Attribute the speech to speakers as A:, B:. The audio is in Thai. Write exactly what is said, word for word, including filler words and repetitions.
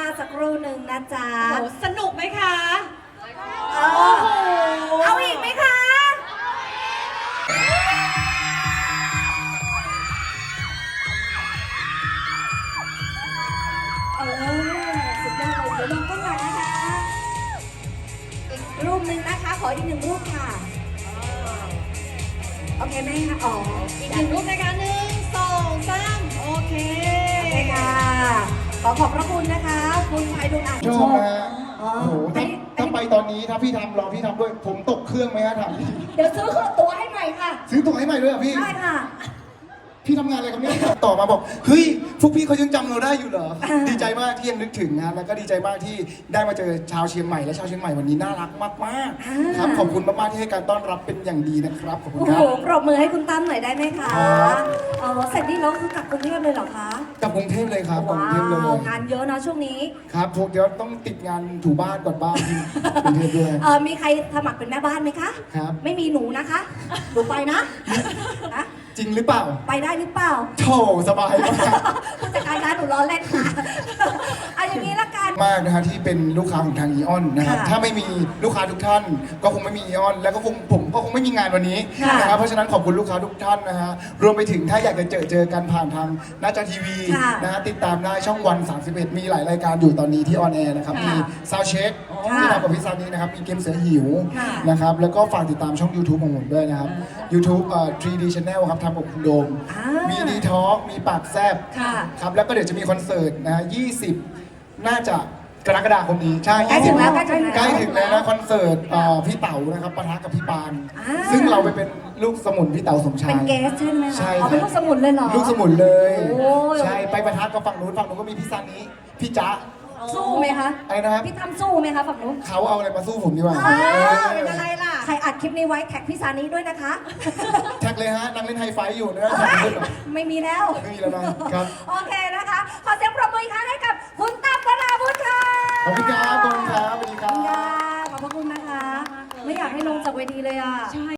A: สักครู่หนึ่งนะจ๊ะ
B: โอ้สนุกไหมคะ
A: เออเอาอีกไหมคะเออสุดยอดเลยเดี๋ยวลองก้นหน่อยนะคะอีกรูปหนึ่งนะคะ ขออีกหนึ่งรูปค่ะโอเคไหมคะอ๋อ
B: อีกหนึ่งรูปนะคะหนึ่งสองสามโอเค
A: โอเคค่ะ ขอขอบพระคุณนะคะ คุณไพดุลอ่าน
C: ชอบนะฮะ
A: อ๋อ
C: โอ้โหถ้าถ้าไปตอนนี้ถ้าพี่ทำรอพี่ทำด้วย ผมตกเครื่องไหมฮะถาม
A: เดี๋ยวซื้อตัวให้ใหม่ค่ะ
C: ซื้อตั๋วให้ใหม่ด้วยเหรอพี่
A: ได้ค่ะ
C: พี่ทำงานอะไรครับเนี่ยต่อมาบอกเฮ้ยพวกพี่เขายังจำเราได้อยู่เหรอ
A: อ่า
C: ดีใจมากที่ยังนึกถึงนะแล้วก็ดีใจมากที่ได้มาเจอชาวเชียงใหม่และชาวเชียงใหม่วันนี้น่ารักมากๆครับขอบคุณมากๆที่ให้การต้อนรับเป็นอย่างดีนะครับขอบคุณ
A: โอ้
C: ครั
A: โห
C: บ
A: ปรบมือให้คุณตั้มหน่อยได้ไหมคะ
C: ครับ
A: เออเสร็จนี่แล้วคือกลับกรุงเทพเลยเหรอคะ
C: กลับกรุงเทพเลยครับกลับกรุงเทพเลย
A: ว้าวงานเยอะนะช่วงนี้
C: ครับพวกเดี๋ยวต้องติดงานถูบ้านก่อนบ้านที่กรุงเทพด้วย
A: เออมีใครสมัครเป็นแม่บ้านไหมคะ
C: ครับ
A: ไม่มีหนูนะคะหนูไปนะนะ
C: จริงหรือเปล่า
A: ไปได้หรือเปล่า
C: โถสบายมาก
A: ผู้จัดการร้านหนูล้อเล่นค่ะเอาอย่างนี้ละกัน
C: มากนะฮะที่เป็นลูกค้าของทางอีออนนะครับ
A: ค่ะ
C: ถ้าไม่มีลูกค้าทุกท่าน ก็คงไม่มีอีออนแล้วก็คงผมก็คงไม่มีงานวันนี้
A: ค่ะ
C: นะครับเพราะฉะนั้นขอบคุณลูกค้าทุกท่านนะฮะรวมไปถึงถ้าอยากจะเจอเจอกันผ่านทางหน้าจอทีวี
A: ค่ะ
C: นะฮะติดตามได้ช่องวันสามสิบเอ็ดมีหลายรายการอยู่ตอนนี้ที่ออนแอร์นะครับ
B: ค่ะ
C: มีซาวเช็ค
A: ค่ะ
C: ที่ทำกับพี่ซานีนะครับมีเกมเสือหิว
A: ค่ะ
C: นะครับแล้วก็ฝากติดตามช่อง YouTube ของผมด้วยนะครับ YouTube เอ่อ ทรี ดี Channel ครับทำกับคุณโดม
A: อ่า
C: มีดีทอ l k มีปากแซบ
A: ค่ะ
C: ครับแล้วก็เดี๋ยวจะมีคอนเสิร์ตนะฮะยี่สิบน่าจะกรกฎาคมนี้ใช่
A: ใกล้ถึงแล้วใกล้ถึงแล้ว
C: ใกล้ถึงแล้วนะคอนเสิร์ตเอ่อพี่เต๋านะครับปะทะกับพี่ปาน
A: อ่า
C: ซึ่งเราไปเป็นลูกสมุนพี่เต๋าสมชาย
A: เป็นเกสใช่ไหมคะ
C: ใช่
A: อ๋อเป็น
C: ค
A: ลู
C: รับ
A: กสมุนเลยเหรอ
C: ลูกสมุนเลย
A: โอ้ย
C: ใช่ไปปะทะกับฝั่งนู้นฝั่งนู้นก็มีพี่ซานิพี่จ๊ะ
A: สู้ไหมคะ
C: อะไรนะครับ
A: พี่ตั้มสู้ไหมคะฝั่งนู้น
C: เขาเอาอะไรมาสู้ผมดีกว่า
A: เออ
C: เออ
B: เป็นอะไรล่ะ
A: ใครอัดคลิปนี้ไว้แท็กพี่ซานิด้วยนะคะ
C: แท็กเลยฮะนั่งเล่นไฮไฟว์อยู่นะ
A: ไม่มีแล้ว
C: ไม่มีแล้วนะครับ
A: โอเคนะคะ ขอเสียงปรบมืออีกครั้งให้กับคุณตั้มวราวุฒิค่ะ
C: ขอบคุณครับขอบคุณครับสวัสดีค
A: ขอบคุณ
C: รั
A: ค่ะ
C: บ
A: ขอบพระคุณนะคะ ไม่อยากให้ลงจากเวทีเลยอ่ะ